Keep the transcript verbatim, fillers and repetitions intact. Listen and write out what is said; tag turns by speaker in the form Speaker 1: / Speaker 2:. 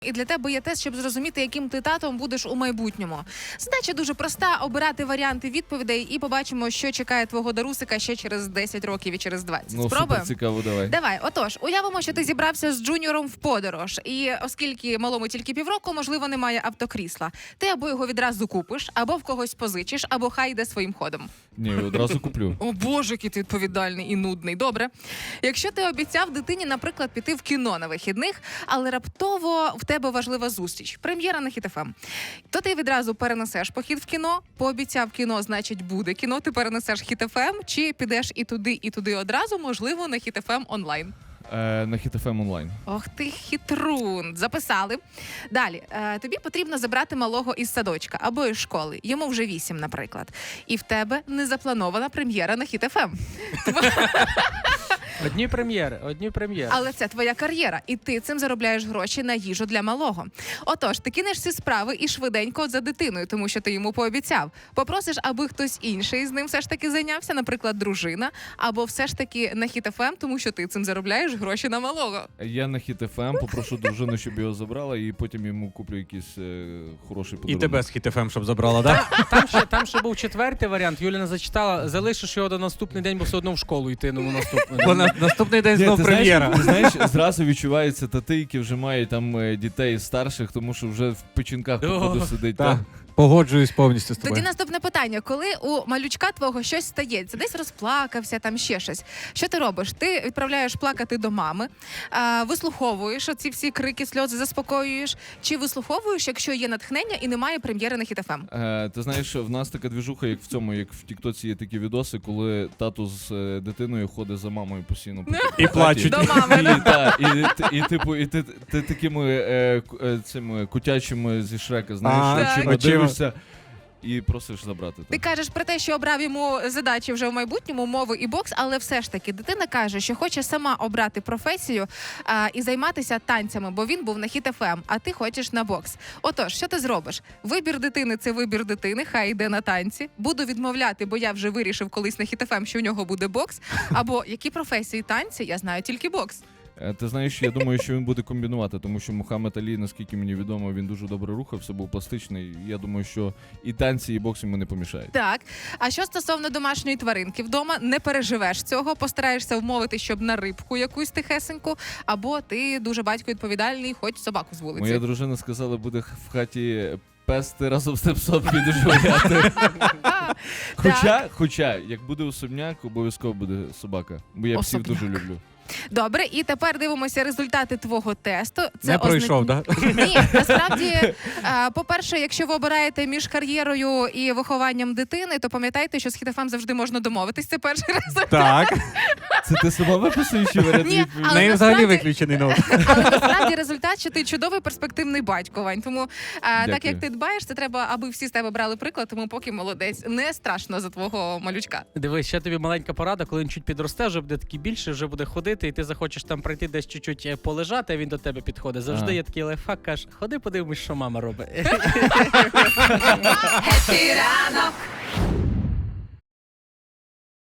Speaker 1: І для тебе є тест, щоб зрозуміти, яким ти татом будеш у майбутньому. Задача дуже проста – обирати варіанти відповідей і побачимо, що чекає твого Дарусика ще через десять років і через двадцять.
Speaker 2: Ну,
Speaker 1: Спробуємо?
Speaker 2: супер цікаво, давай.
Speaker 1: Давай, отож, уявимо, що ти зібрався з Джуніором в подорож. І оскільки малому тільки півроку, можливо, немає автокрісла. Ти або його відразу купиш, або в когось позичиш, або хай йде своїм ходом.
Speaker 2: Ні, одразу куплю.
Speaker 1: О боже, який ти відповідальний і нудний. Добре. Якщо ти обіцяв дитині, наприклад, піти в кіно на вихідних, але раптово в тебе важлива зустріч, прем'єра на Хіт еф ем, то ти відразу перенесеш похід в кіно, пообіцяв кіно, значить буде кіно, ти перенесеш Хіт еф ем, чи підеш і туди, і туди одразу, можливо, на Хіт еф ем онлайн.
Speaker 2: Е, на Хіт еф ем онлайн.
Speaker 1: Ох ти хитрун. Записали. Далі. Е, тобі потрібно забрати малого із садочка або із школи. Йому вже вісім, наприклад. І в тебе не запланована прем'єра на Хіт еф ем.
Speaker 3: Одні прем'єри, одні прем'єри.
Speaker 1: Але це твоя кар'єра, і ти цим заробляєш гроші на їжу для малого. Отож, ти кинеш ці справи і швиденько за дитиною, тому що ти йому пообіцяв. Попросиш, аби хтось інший з ним все ж таки зайнявся, наприклад, дружина, або все ж таки на Хіт еф ем, тому що ти цим заробляєш гроші на малого.
Speaker 2: Я на Хіт еф ем попрошу дружину, щоб його забрала, і потім йому куплю якийсь е, хороший
Speaker 4: І
Speaker 2: подарунок.
Speaker 4: тебе з Хіт еф ем, щоб забрала, так?
Speaker 3: Там ще, там ще був четвертий варіант. Юліна зачитала, залишиш його до наступний день, бо все одно в школу йти, ну наступний.
Speaker 4: Бо на наступний день
Speaker 2: Ні,
Speaker 4: знов
Speaker 2: ти
Speaker 4: прем'єра.
Speaker 2: знаєш, ти знаєш, зразу відчуваються тати, які вже мають там е, дітей старших, тому що вже в печінках походу сидить.
Speaker 4: Так,
Speaker 2: та.
Speaker 4: погоджуюсь повністю з
Speaker 1: Тоді
Speaker 4: тобою.
Speaker 1: наступне питання. Коли у малючка твого щось стається, десь розплакався, там ще щось, що ти робиш? Ти відправляєш плакати до мами, а, вислуховуєш оці всі крики, сльози, заспокоюєш, чи вислуховуєш, якщо є натхнення і немає прем'єри на Хіт еф ем?
Speaker 2: Е, ти знаєш, в нас така двіжуха, як в цьому, як в Тіктоці є такі відоси, коли тато з е, дитиною ходить за мамою постійно. по
Speaker 4: І
Speaker 2: хаті.
Speaker 4: плачуть.
Speaker 1: До мами,
Speaker 2: І,
Speaker 1: да?
Speaker 2: та, і, і, і, типу, і ти, ти такими е, ку- е, цими кутячими зі Шрека, знаєш,
Speaker 4: А,
Speaker 2: очима
Speaker 4: очима.
Speaker 2: дивишся і просиш забрати.
Speaker 1: Ти кажеш про те, що обрав йому задачі вже в майбутньому, мови і бокс, але все ж таки дитина каже, що хоче сама обрати професію а, і займатися танцями, бо він був на Хіт еф ем, а ти хочеш на бокс. Отож, що ти зробиш? Вибір дитини – це вибір дитини, хай йде на танці. Буду відмовляти, бо я вже вирішив колись на Хіт еф ем, що у нього буде бокс. Або які професії танці, я знаю тільки бокс.
Speaker 2: Е, Ти знаєш, я думаю, що він буде комбінувати, тому що Мухаммед Алі, наскільки мені відомо, він дуже добре рухався, був пластичний. Я думаю, що і танці, і бокс йому не помішають.
Speaker 1: Так. А що стосовно домашньої тваринки вдома, не переживеш цього, постараєшся вмовити, щоб на рибку якусь тихесеньку, або ти дуже батько відповідальний, хоч собаку з вулиці.
Speaker 2: Моя дружина сказала, буде в хаті пести разом з тим псом, підеш гуляти. Хоча, хоча, як буде особняк, обов'язково буде собака, бо я псів
Speaker 1: Особняк.
Speaker 2: дуже люблю.
Speaker 1: Добре, і тепер дивимося результати твого тесту.
Speaker 4: Не пройшов, так?
Speaker 1: Ні, насправді, е, по-перше, якщо ви обираєте між кар'єрою і вихованням дитини, то пам'ятайте, що з Хіт еф ем завжди можна домовитись. Це перший результат.
Speaker 4: Так.
Speaker 2: Це ти сама виписуєш чи варіант
Speaker 1: Ні,
Speaker 2: відповіді?
Speaker 4: В
Speaker 1: але
Speaker 4: неї взагалі
Speaker 1: насправді-
Speaker 4: виключений ноут.
Speaker 1: Але насправді результат, що ти чудовий перспективний батько, Вань. Тому е, так
Speaker 2: Дякую.
Speaker 1: як ти дбаєш, це треба, аби всі з тебе брали приклад, тому поки молодець. Не страшно за твого малючка.
Speaker 3: Дивись, ще тобі маленька порада, коли він чуть підросте, вже буде такий більше, вже буде ходити, і ти захочеш там прийти десь чуть-чуть е, полежати, а він до тебе підходить. Завжди
Speaker 2: Ага.
Speaker 3: є такий лайфхак, каже, ходи подивимось, що мама робить.
Speaker 1: Епі ранок.